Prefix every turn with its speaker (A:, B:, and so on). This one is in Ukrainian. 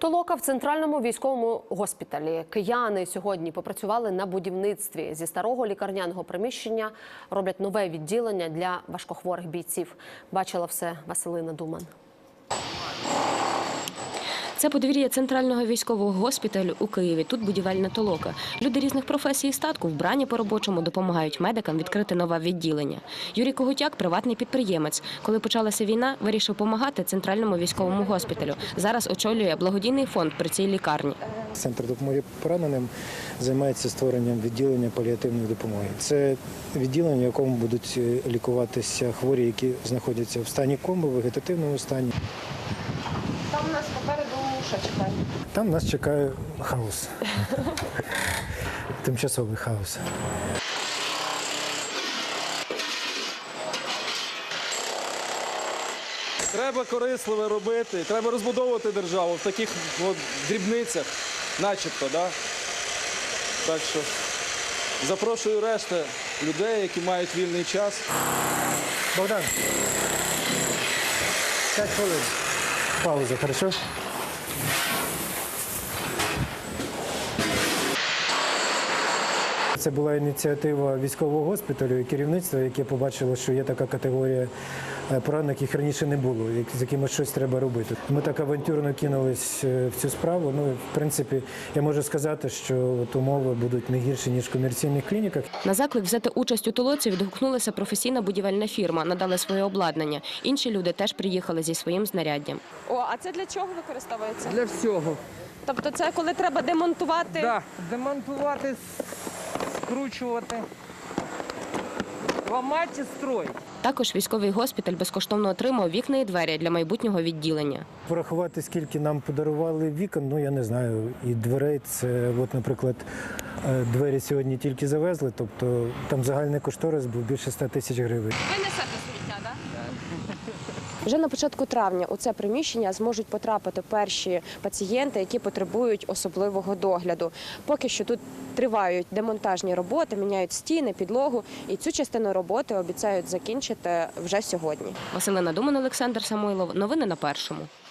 A: Толока в центральному військовому госпіталі. Кияни сьогодні попрацювали на будівництві. Зі старого лікарняного приміщення роблять нове відділення для важкохворих бійців. Бачила все Василина Думан.
B: Це подвір'я центрального військового госпіталю у Києві. Тут будівельна толока. Люди різних професій і статку, вбрані по-робочому, допомагають медикам відкрити нове відділення. Юрій Когутяк – приватний підприємець. Коли почалася війна, вирішив допомагати центральному військовому госпіталю. Зараз очолює благодійний фонд при цій лікарні.
C: Центр допомоги пораненим займається створенням відділення паліативної допомоги. Це відділення, в якому будуть лікуватися хворі, які знаходяться в стані коми, в вегетативному стані.
B: Там у нас попереду що чекає?
C: Там нас чекає хаос. Тимчасовий хаос.
D: Треба корисливе робити, треба розбудовувати державу в таких дрібницях, начебто, да? Так що запрошую решту людей, які мають вільний час.
C: Богдан, 5 хвилин. Пауза, хорошо? Це була ініціатива військового госпіталю і керівництва, яке побачило, що є така категорія поранених, яких раніше не було, з якими щось треба робити. Ми так авантюрно кинулись в цю справу. Ну, в принципі, я можу сказати, що умови будуть не гірші, ніж в комерційних клініках.
B: На заклик взяти участь у толоці відгукнулася професійна будівельна фірма, надали своє обладнання. Інші люди теж приїхали зі своїм знаряддям.
E: О, а це для чого використовується?
F: Для всього.
E: Тобто це коли треба демонтувати?
F: Так, демонтувати, скручувати, ламати і строїти.
B: Також військовий госпіталь безкоштовно отримав вікна і двері для майбутнього відділення.
C: Порахувати, скільки нам подарували вікон, ну я не знаю, і дверей. Це, от, наприклад, двері сьогодні тільки завезли, тобто там загальний кошторис був більше 100 тисяч гривень.
E: Ви несете сміття, так?
G: Вже на початку травня у це приміщення зможуть потрапити перші пацієнти, які потребують особливого догляду. Поки що тут тривають демонтажні роботи, міняють стіни, підлогу. І цю частину роботи обіцяють закінчити вже сьогодні.
B: Василина Думан, Олександр Самойлов. Новини на Першому.